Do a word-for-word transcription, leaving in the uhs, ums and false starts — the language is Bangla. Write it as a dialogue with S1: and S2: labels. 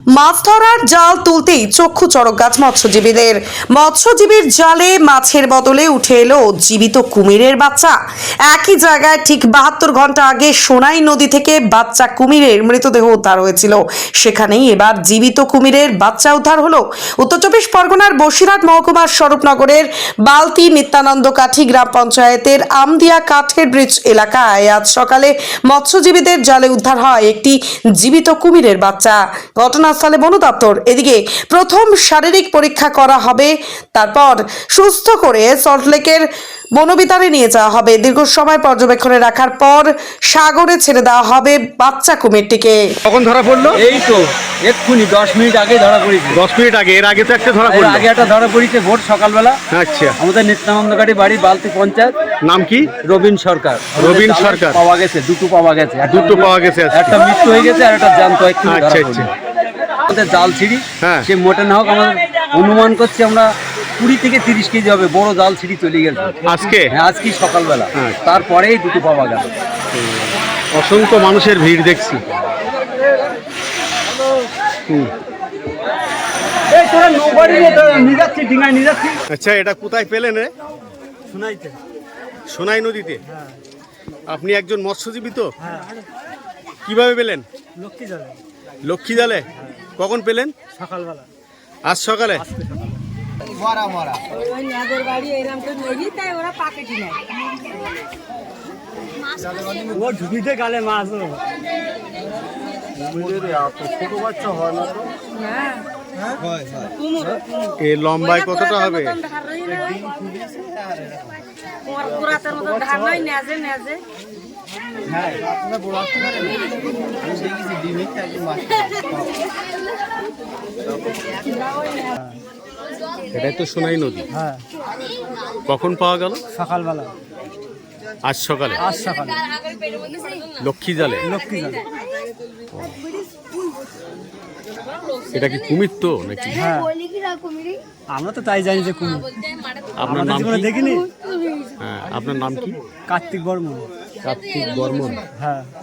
S1: মাছ ধরার জাল তুলতেই চক্ষু চড়ক গাছ মৎস্যজীবীদের। মৎস্যজীবীর জালে মাছের বদলে উঠে এলো জীবিত কুমিরের বাচ্চা। একই জায়গায় ঠিক বাহাত্তর ঘন্টা আগে সোনাই নদী থেকে বাচ্চা কুমিরের মৃতদেহ উদ্ধার হয়েছিল, সেখানেই এবার জীবিত কুমিরের বাচ্চা উদ্ধার হলো। উত্তর চব্বিশ পরগনার বসিরহাট মহকুমার স্বরূপনগরের বালতি নিত্যানন্দ কাঠি গ্রাম পঞ্চায়েতের আমদিয়া কাঠের ব্রিজ এলাকায় আজ সকালে মৎস্যজীবীদের জালে উদ্ধার হয় একটি জীবিত কুমিরের বাচ্চা। ঘটনাস্থলে বন দপ্তর। এদিকে প্রথম শারীরিক পরীক্ষা করা হবে, তারপর সুস্থ করে সল্টলেকের বনবিতানে নিয়ে যাওয়া হবে। দীর্ঘ সময় পর্যবেক্ষণে রাখার পর সাগরে ছেড়ে দেওয়া হবে বাচ্চা কুমিরটিকে।
S2: কখন ধরা পড়লো?
S3: এই তো এক্ষুনি দশ মিনিট আগে ধরা পড়েছে।
S2: দশ মিনিট আগে। এর আগে তো একটা ধরা
S3: এর
S2: পড়লো।
S3: আগে একটা ধরা পড়েছে ভোর সকালবেলা।
S2: আচ্ছা,
S3: আমাদের নিত্যানন্দকারী বাড়ি বালতি পঞ্চায়েত।
S2: নাম কি?
S3: রবিন সরকার।
S2: রবিন
S3: আমাদের
S2: সরকার।
S3: পাওয়া গেছে, দুটো পাওয়া গেছে। একটা
S2: দুটো পাওয়া গেছে আজকে।
S3: একটা মৃত্যু হয়ে গেছে আর একটা জ্যান্ত এক্ষুনি ধরা
S2: আচ্ছা,
S3: পড়লো।
S2: আচ্ছা।
S3: আমাদের জাল ছিঁড়ি,
S2: হ্যাঁ।
S3: সে মোটে না হোক আমাদের অনুমান করছি আমরা কুড়ি থেকে তিরিশ কেজি হবে। বড় জাল ছিঁড়ি চলে গেছে
S2: আজকে
S3: হ্যাঁ, আজকে সকালবেলা।
S2: হ্যাঁ।
S3: তারপরেই দুটো পাওয়া গেল।
S2: অসংখ্য মানুষের ভিড় দেখছি। হুম।
S3: এই তোরা নৌবাড়ি নিয়ে তো নিয়ে যাচ্ছি, ডিঙায় নিয়ে যাচ্ছি।
S2: আচ্ছা, এটা কোথায় পেলেন রে?
S3: শোনাইতে
S2: সোনাই নদীতে। আপনি একজন মৎস্যজীবী তো? কিভাবে পেলেন?
S4: লক্ষ্মী জালে
S2: লক্ষ্মী জালে। কখন পেলেন?
S4: সকালবেলা
S2: আজ সকালে।
S5: ওই নাদের বাড়ি এরকম করে নদী, তাই ওরা পাকেটি নেয়।
S4: ও ঢুকিতে গালে মাছ ও।
S2: ছোট বাচ্চা হয় না তো?
S5: হ্যাঁ কুমুর
S2: এ লম্বায় কতটা হবে?
S5: তোমার পুরাতের মতো ধার নয়, নেজে নেজে
S2: এটাই তো সোনাই নদী।
S4: হ্যাঁ,
S2: কখন পাওয়া গেল?
S4: সকালবেলা।
S2: আজ সকালে।
S4: আজ সকালে
S2: লক্ষ্মী জালে।
S4: লক্ষ্মী জালে।
S2: এটা কি কুমির তো নাকি?
S4: হ্যাঁ, আমরা তো তাই জানি যে কুমির।
S2: আপনার
S4: আমাদের
S2: নাম
S4: জীবনে
S2: কি?
S4: দেখিনি।
S2: হ্যাঁ, আপনার নাম কি?
S4: কার্তিক বর্মন।
S2: কার্তিক বর্মন।
S4: হ্যাঁ।